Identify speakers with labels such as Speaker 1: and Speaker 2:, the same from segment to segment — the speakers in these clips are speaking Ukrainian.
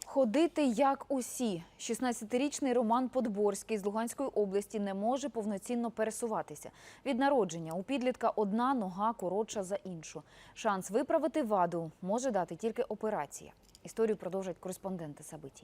Speaker 1: Ходити як усі. 16-річний Роман Подборський з Луганської області не може повноцінно пересуватися. Від народження у підлітка одна нога коротша за іншу. Шанс виправити ваду може дати тільки операція. Історію продовжать кореспонденти Сабитій.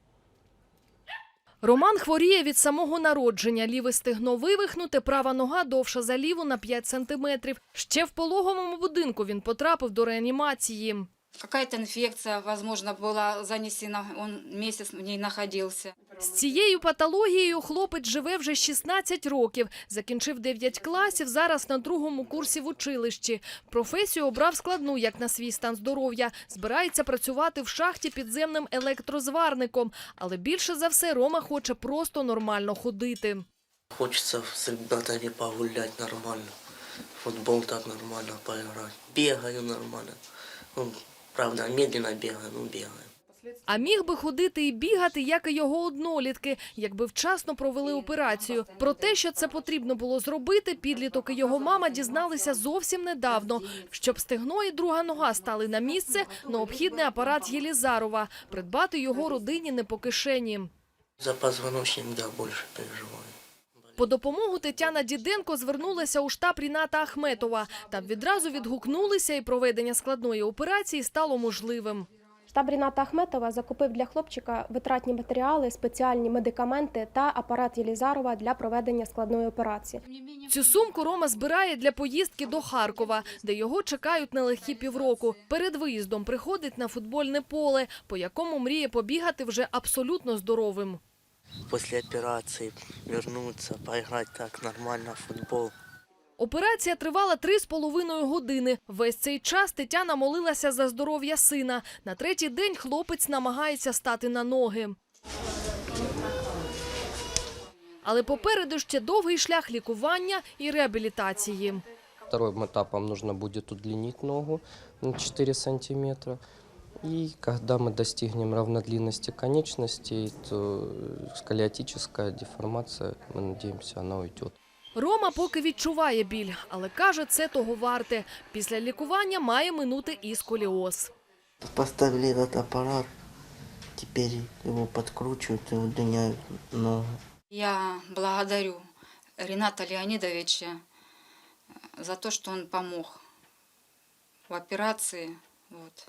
Speaker 2: Роман хворіє від самого народження. Ліве стегно вивихнуте, права нога довша за ліву на 5 сантиметрів. Ще в пологовому будинку він потрапив до реанімації.
Speaker 3: Какая-то инфекция, возможно, была занесена, он месяц в ней находился.
Speaker 2: З цією патологією хлопець живе вже 16 років. Закінчив 9 класів, зараз на 2-му курсі в училищі. Професію обрав складну, як на свій стан здоров'я. Збирається працювати в шахті підземним електрозварником. Але більше за все Рома хоче просто нормально ходити.
Speaker 4: Хочется с ребятами погулять нормально, футбол так нормально поиграть. Бегаю нормально. Ну, правда, медленно бегаю, но бегаю.
Speaker 2: А міг би ходити і бігати, як і його однолітки, якби вчасно провели операцію. Про те, що це потрібно було зробити, підліток і його мама дізналися зовсім недавно. Щоб стегно і друга нога стали на місце, необхідний апарат Єлізарова. Придбати його родині не по кишені.
Speaker 4: За позвоночник, да, больше переживаю.
Speaker 2: По допомогу Тетяна Діденко звернулася у штаб Ріната Ахметова. Там відразу відгукнулися і проведення складної операції стало можливим.
Speaker 5: Штаб Ріната Ахметова закупив для хлопчика витратні матеріали, спеціальні медикаменти та апарат Єлізарова для проведення складної операції.
Speaker 2: Цю сумку Рома збирає для поїздки до Харкова, де його чекають нелегкі півроку. Перед виїздом приходить на футбольне поле, по якому мріє побігати вже абсолютно здоровим.
Speaker 4: После операции вернуться, поиграть так нормально в футбол.
Speaker 2: Операція тривала 3,5 години. Весь цей час Тетяна молилася за здоров'я сина. На 3-й день хлопець намагається стати на ноги. Але попереду ще довгий шлях лікування і реабілітації.
Speaker 6: Вторым этапом нужно будет удлинить ногу на 4 сантиметра. И когда мы достигнем равнодлинности конечностей, то сколиотическая деформация, мы надеемся, она уйдет.
Speaker 2: Рома поки відчуває біль, але каже, це того варте. Після лікування має минути і сколіоз.
Speaker 4: Поставили этот аппарат, теперь его подкручивают и удлиняют ногу.
Speaker 3: Я благодарю Рената Леонидовича за то, что он помог в операции. Вот.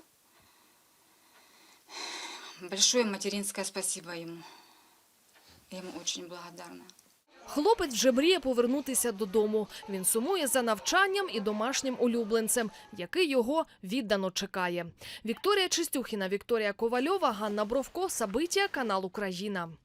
Speaker 3: Большое материнское спасибо ему. Я ему очень благодарна.
Speaker 2: Хлопець вже мріє повернутися додому. Він сумує за навчанням і домашнім улюбленцем, який його віддано чекає. Вікторія Чистюхіна, Вікторія Ковальова, Ганна Бровко, Сабитія, канал Україна.